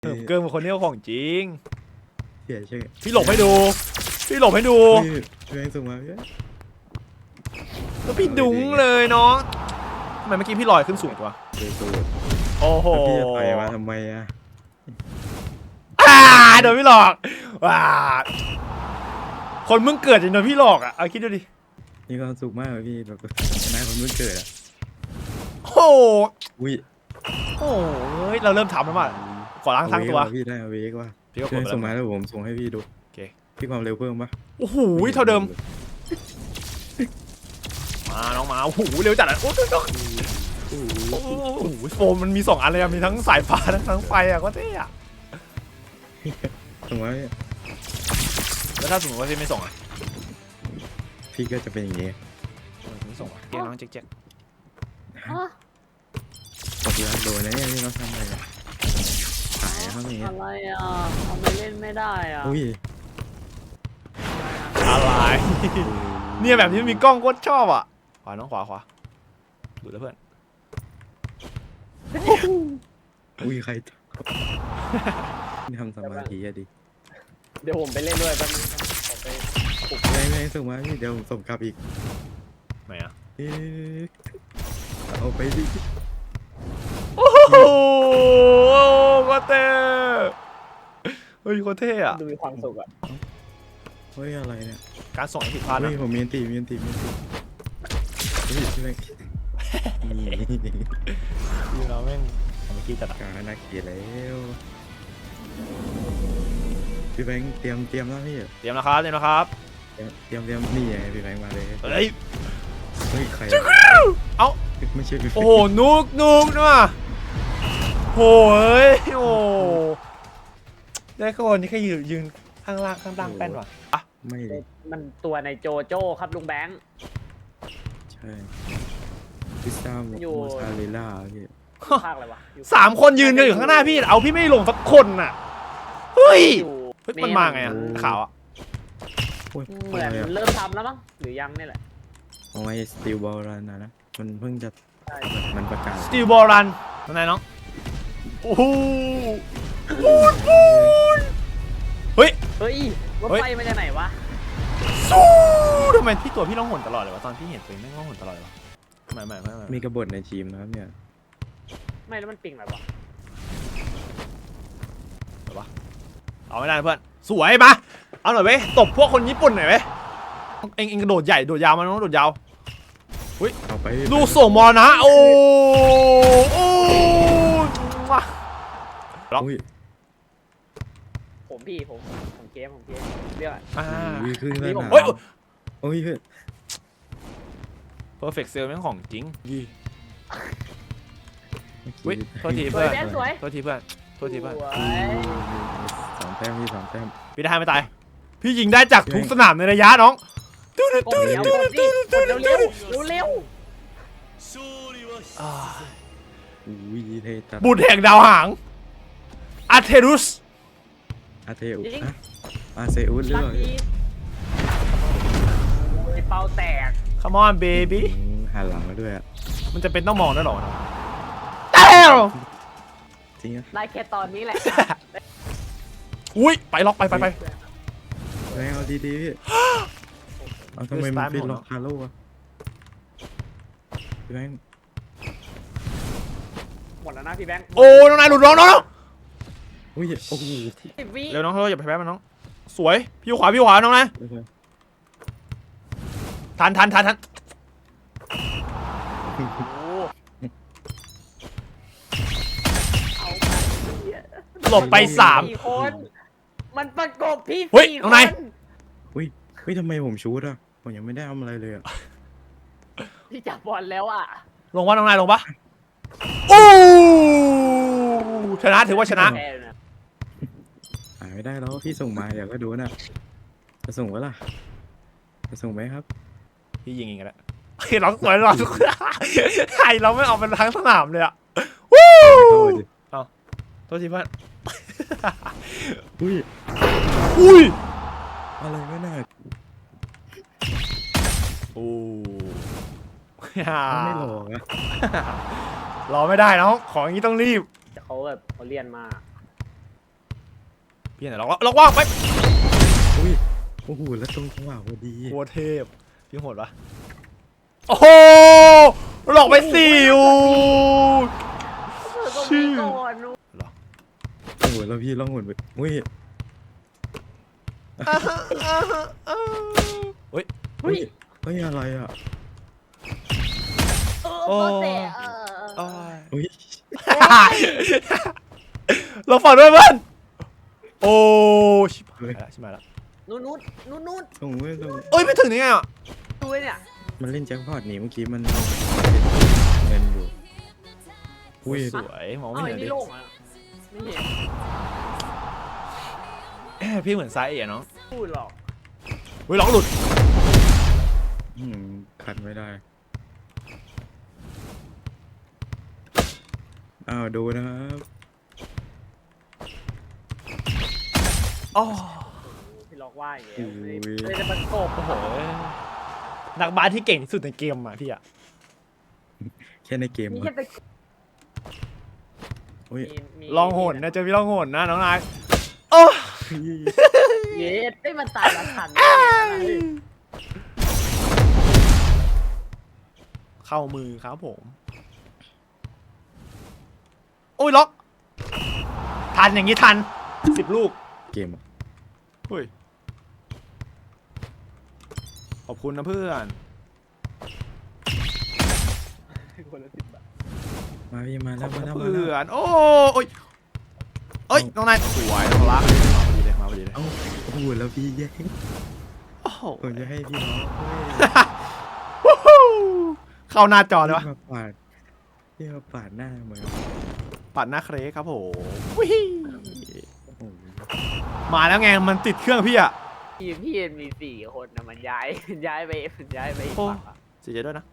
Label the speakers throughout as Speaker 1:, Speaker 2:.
Speaker 1: เกินเป็นคนนี้ของจริง
Speaker 2: เสียชื่อ
Speaker 1: พี่หลบให้ดูพี่หลบให้ดู
Speaker 2: แรงส่งมาพี่
Speaker 1: แล้วพี่ดุ้งเลยน้องทำไมเมื่อกี้พี่ลอยขึ้นสูงตัวโอ้โห
Speaker 2: พี่จะต่อยมาทำไมอะ
Speaker 1: โดนพี่หลอกว้าคนมึงเกิดจนโดนพี่หลอกอ่ะเอาคิดดูดิ
Speaker 2: มีความสุขมากเลยพี่แบบชนะคนมึงเกิดอะ
Speaker 1: โอ้
Speaker 2: อุ้ย
Speaker 1: โอ้ยเราเริ่มทำแล้วมั้งขอล้างทั้งตัว
Speaker 2: พี่ได้เวกว่า
Speaker 1: พี่ก็
Speaker 2: ส่งมาแล้วผมส่งให้พี่ดู
Speaker 1: โอเค
Speaker 2: พี่ความเร็วเพิ่มปะ
Speaker 1: โอ้โหเท่าเดิมมาน้องมาโอ้โหเร็วจัดอ่ะโอ้โหโฟมมันมี2 อันเลยมีทั้งสายฟ้าทั้งไฟอ่ะก็เท่อะ
Speaker 2: ส่งมา
Speaker 1: แล้วถ้าสมมติว่าพี่ไม่ส่งอ่ะ
Speaker 2: พี่ก็จะเป็นอย่างนี้
Speaker 1: ไม่ส่งอ่ะเกมน้องเจ๊ก
Speaker 2: ตกแล้วโดนนะเนี่ยพี่เขาทำอะไรกันหายเขาอย่างเงี้ย
Speaker 3: อะไรอ่ะทำไมเล่นไม่ได้อ่ะ
Speaker 2: อุ้ย
Speaker 1: อะไรเนี่ยแบบนี้มีกล้องโคตรชอบอ่ะขวาน้องขวาดูแล้วเพื่อน
Speaker 2: อุ้ยใครทำสมาธิอะดิ
Speaker 3: เดี๋ยวผมไปเล่นด้วยแป๊บนึงผมไปปลุก
Speaker 2: ไม่ส่งมาพี่เดี๋ยวผมส่งกลับอีก
Speaker 1: ไหนอ่ะ
Speaker 2: เอาไปดิ
Speaker 1: โอ้โหโคตรเท่เฮ้ยโคตรเท่อะ
Speaker 3: ดูมีความสุขอ่ะ
Speaker 2: เฮ้ยอะไรเนี่ย
Speaker 1: การส่งผิดพลาดนะ
Speaker 2: ผมมีอันตีเฮ้ยช่วย
Speaker 1: คือเราแม่งเมื่อกี้จัด
Speaker 2: การนักเกียร์แล้วพี่แบงค์เตรียมแล้วพี่
Speaker 1: เตรียมนะครับ
Speaker 2: เตรียมนี่ไงพี่แบงค์มาเลย
Speaker 1: เฮ้ย
Speaker 2: ใคร
Speaker 1: เอ้า
Speaker 2: ไม่ใช่พี่
Speaker 1: โอ้โหนุกนะโหยโอ้ได้คนที่แค่ยืนข้างล่างแป้นว่ะอ่ะ
Speaker 2: ไม่
Speaker 3: มันตัวในโจโจ้ครับลุงแบงค์
Speaker 2: ใช่พิซซ่าโมซาเรลล่าพี่
Speaker 3: ภาคอะไรวะ
Speaker 1: 3 คนยืนกันอยู่ข้างหน้าพี่เอาพี่ไม่ลงสักคนน่ะเฮ้ยมันมาไงอ่ะข่าวอ่ะ
Speaker 3: เหมือนเริ่มทำแล้วมั้งหรือยังนี่แหละ
Speaker 2: เอาไว้สตีลบอลรันนะมันเพิ่งจะมันประกาศ
Speaker 1: สตีลบอลรันตรงไหนน้องโอ้โหเฮ้ย
Speaker 3: รถไฟมาจากไหนวะ
Speaker 1: สู้ทำไมพี่ตัวพี่ร้องหนตลอดเลยวะตอนพี่เห็นตัวไม่ร้องหนตลอดเลยวะไม่
Speaker 2: มีกบฏในทีมนะครับเนี่ย
Speaker 3: ไม่แล้วมันปิงอะไรวะ
Speaker 1: เอาไม่ได้เพื่อนสวยปะเอาหน่อยเว้ยตบพวกคนญี่ปุ่นหน่อยเว้ยเอ็งกระโดดใหญ่โดดยาวมาน้องโดดยาวเฮ้ยดูส่งมอนะโอ้ล็อก
Speaker 3: ผมเกมเรียก
Speaker 2: วิ่งขึ้นเลยนะโอ้ย
Speaker 1: perfect cell แม่งของจริงวิโทษทีเพื่อนโทษทีเพื่อน
Speaker 2: 2 แต้มพี่2 แต้ม
Speaker 1: พี่ได้ไม่ตายพี่ยิงได้จากทุกสนามในระยะน้อง
Speaker 3: เร็ว
Speaker 1: บุตรแห่งดาวหางอาเทอุส
Speaker 2: หรือเปล่า
Speaker 3: เป่าแตก
Speaker 1: Come on baby
Speaker 2: หันหลังมาด้วย
Speaker 1: มันจะเป็นต้องมองด้วยหรอ
Speaker 2: จริง
Speaker 3: ได้แค่ตอนนี้แหละ
Speaker 1: อุ้ยไปล็อกไป
Speaker 2: เอาดีพี่เอาทำไมมันเป็นล็อกฮาโร่อะพี่แบงค์
Speaker 3: หมดแล้วนะพี่แบงค์
Speaker 1: โอ้น้องนายหลุดน้อง
Speaker 2: อุ้ยโอ้โห
Speaker 1: เร็วน้องอย่าไปแพ้มันน้องสวยพี่ขวาน้องนายทันหลบไป3
Speaker 3: คนมันประกบพี่
Speaker 1: 4 คนน้องนาย
Speaker 2: ทำไมผมชูดอ่ะผมยังไม่ได้ทำอะไรเลยอ่ะ
Speaker 3: พี่จับบอลแล้วอ่ะ
Speaker 1: ลงวะน้องนายลงปะโอ้ชนะถือว่าชนะ
Speaker 2: หายไม่ได้แล้วพี่ส่งมาเดี๋ยวก็ดูนะจะส่งวะล่ะจะส่งไหมครับ
Speaker 1: พี่ยิงเองกันแล้วเราสวยเราไทยเราไม่ออกเป็นทั้งสนามเลยอ่ะวู้เอาโทษทีเพื่อน
Speaker 2: อุ้ยอะไรไม่น่า
Speaker 1: โอ้
Speaker 2: ไม่หลอกอะ
Speaker 1: รอไม่ได้น้องของอย่างนี้ต้องรีบ
Speaker 3: เขาแบบเขาเรียนมา
Speaker 1: พี่ไหนล็อกว่างไป
Speaker 2: อุ้ยโอ้โหแล้วตรงจังหวะพอดี
Speaker 1: โคตรเทพพี่โหดปะโอ้โหหลอกไปสี่อู
Speaker 3: ก็มีก่อนนู้
Speaker 2: โอ้โหแล้วพี่ล่องหนไปอุ้ย
Speaker 1: เฮ้ย
Speaker 3: เฮ้ย
Speaker 2: เฮ้ยอะไรอ่ะ
Speaker 3: โอ้เตะ
Speaker 2: อุ้ย
Speaker 1: เราฝันด้วยเพื่อนโอ้ชิบหายละ
Speaker 3: นู้น
Speaker 2: ส่งไม่ส่ง
Speaker 1: เอ้ยไม่ถึงนี่ไงอ่ะ
Speaker 3: ดูเนี่ย
Speaker 2: มันเล่นแจ็คพอตนี่เมื่อกี้มันเงินอยู่อุ้ย
Speaker 1: สวยมอง
Speaker 3: เอา
Speaker 1: ไม่
Speaker 3: ไอ้
Speaker 1: เห็น
Speaker 3: นี่
Speaker 1: ดิ
Speaker 3: โล่งอ่ะไม่เห็น
Speaker 1: พี่เหมือนไซส์เอ๋เนาะ
Speaker 3: พูดหรอก
Speaker 1: เฮ้ยล็อกหลุด
Speaker 2: คัดไม่ได้อ้าวดูนะครับ
Speaker 1: อ๋อ
Speaker 3: พี่ล็อกว่าอย่างเงี้ยเลยจะประกบ
Speaker 1: โอ้โหนักบาสที่เก่งที่สุดในเกมอ่ะพี่อ่ะ
Speaker 2: แค่ในเกม
Speaker 3: นี่
Speaker 2: อะ
Speaker 3: แค่ไป
Speaker 2: อุ้ย
Speaker 1: ลองโหนนะเจอพี่ลองโหนนะน้องนายโอ้
Speaker 3: เย็ดได้มันตายละทัน
Speaker 1: เข้ามือครับผมโอ้ยล็อกทันอย่างนี้ทัน10 ลูก
Speaker 2: เกมอะ
Speaker 1: เฮ้ยขอบคุณนะเพื่อน
Speaker 3: คนละ10 บาท
Speaker 2: มาพี่มา
Speaker 1: ข
Speaker 2: แล้
Speaker 1: อ
Speaker 2: ว
Speaker 1: บคุ
Speaker 2: มา
Speaker 1: ณ
Speaker 2: แล้วมา
Speaker 1: เพื่
Speaker 2: แล้ว
Speaker 1: อนโอ้ยเอ้ยน้องนายสวยน้องรักมาพอดีเลย
Speaker 2: เอ้าโอ้โหแล้วพี่แย่ง
Speaker 1: โอ้โห
Speaker 2: ผมจะให้พี่น้อง
Speaker 1: วู้ฮู้เข้าหน้าจอเลยวะ
Speaker 2: พี่มาปาดหน้าเหมือน
Speaker 1: ปัดหน้าเครกครับผมวิ
Speaker 2: โอ้โห
Speaker 1: มาแล้วไงมันติดเครื่องพี่อะ
Speaker 3: ทีมพี่เอ็นมี4 คนนะมันย้ายไปอีกฝั่งอ่ะ
Speaker 1: เสียใจด้วยนะ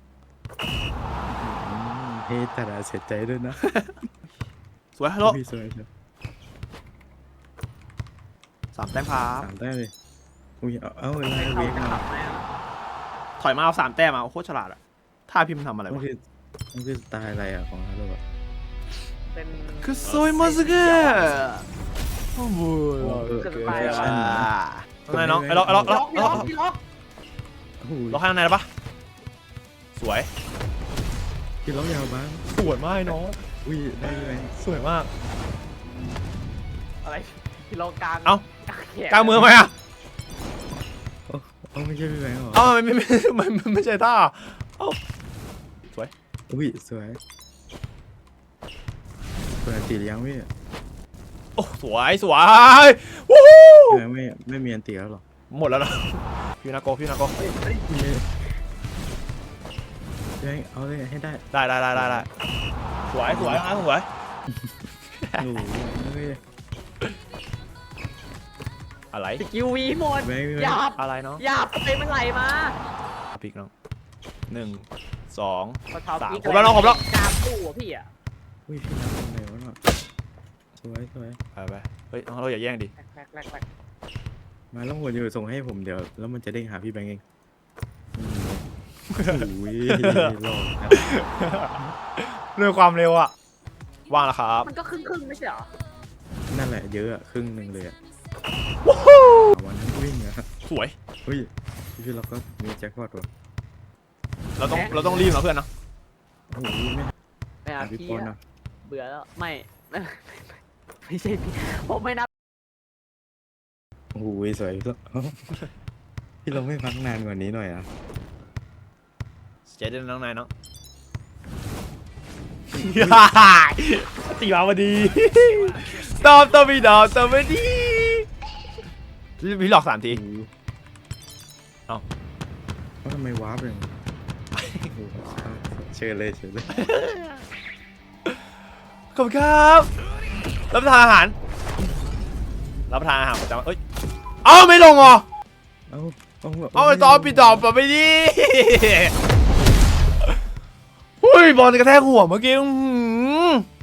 Speaker 2: เฮ้แต่ละเสียใจด้วยนะ
Speaker 1: สวยฮัลโหล
Speaker 2: พี่สวยครับ
Speaker 1: 3 แต้มครับ
Speaker 2: สามได้เลยอุ้ยเอาอะไร
Speaker 3: ไม่
Speaker 2: เว
Speaker 3: เข้าก จะ
Speaker 2: มา
Speaker 3: ขับไหมอ่ะ
Speaker 1: ถอยมาเอา3 แต้มมาโคตรฉลาดอะท่าพิมพ์ทำอะไร
Speaker 2: มัน
Speaker 1: วะ
Speaker 2: คือสไตล์อะไรอ่ะของฮาโลอ่ะ
Speaker 3: เป็น
Speaker 1: คือซวยมาสเกอร์โอ้โห นายน้องไอ้ล็อก
Speaker 3: ล็อกพี่ล็อก
Speaker 2: โอ้โห
Speaker 1: ล็อกข้างในได้ปะสวย
Speaker 2: พี่ล็อกยาวบ้าง
Speaker 1: สวยมากน้อง
Speaker 2: อุ้ยได้ไหม
Speaker 1: สวยมาก
Speaker 3: อะไรพี่ล็อกกลาง
Speaker 1: เอ้า กลางเมืองไหมอะ
Speaker 2: โอ้ไม่ใช่พี่แบงค์หรอ
Speaker 1: เอ้าไม่ใช่ท่าเอ้า
Speaker 2: อุ้ยสวยเปิดตียังพี่
Speaker 1: โอ้สวยวู้ฮู้
Speaker 2: พี่แบงค์ไม่มีอันตีแล้วหรอ
Speaker 1: หมดแล้วนะพี่นาโก
Speaker 2: พี่แบงค์เอาเลยให้ได้
Speaker 1: ได้สวยสวย
Speaker 2: โอ้โหเฮ้ย
Speaker 1: อะไร
Speaker 3: สกิลวีหมด
Speaker 2: แบงค์
Speaker 3: หยาบ
Speaker 1: อะไรเนาะ
Speaker 3: หยาบไปมันไหลมา
Speaker 1: พิกน้อง1 2
Speaker 3: เขาเท้า
Speaker 1: 3
Speaker 3: พีก
Speaker 1: ผมแล้วน้องผมแล้ว
Speaker 3: กราบตู้อ่ะพี่อ่ะ
Speaker 2: อุ้ยพี่นับยังไงวะเนาะสวย
Speaker 1: ไปเฮ้ยน้องเราอย่าแย่งดิ
Speaker 3: แรก
Speaker 2: มาแล้วหัวอยู่ส่งให้ผมเดี๋ยวแล้วมันจะเด้งหาพี่แบงค์เองอุ้ยหลอกครับ
Speaker 1: เรื่องความเร็วอะว่างแล้วครับ
Speaker 3: มันก็ครึ่งไม่ใช่เหรอ
Speaker 2: นั่นแหละเยอะอะครึ่งหนึ่งเลยอะ
Speaker 1: วู้ฮู้
Speaker 2: วันนั้นวิ่งอะ
Speaker 1: สวย
Speaker 2: เฮ้ยพี่เราก็มีแจ็คพอตว่ะ
Speaker 1: เราต้องรีบนะเพื่อนนะ
Speaker 2: โอ้โหไม่
Speaker 3: ไม่เอา
Speaker 2: หาพี่
Speaker 3: พี่
Speaker 2: ปอน
Speaker 3: อะ
Speaker 2: อะ
Speaker 3: เบื่อแล้วไม่ใช่พี่ผมไม่นับ
Speaker 2: โอ้โหสวยแล้วพี่เราไม่พักนานกว่านี้หน่อยอะ
Speaker 1: เจ๊ด้วยน้องนายเนาะ ตีมาพอดีตอบตัวพี่ดอกตัวไม่ดีพี่หลอก3 ที
Speaker 2: เอ้าทำไมวาร์ปเลยเชิญเลย
Speaker 1: ขอบคุณครับรับประทานอาหารประจำเอ้ยเอ้าไม่ลงเหรอ
Speaker 2: เอ้า
Speaker 1: เอาไปต่อพี่ดอกไปดิหุ้ยบอลกระแทกหัวเมื่อกี้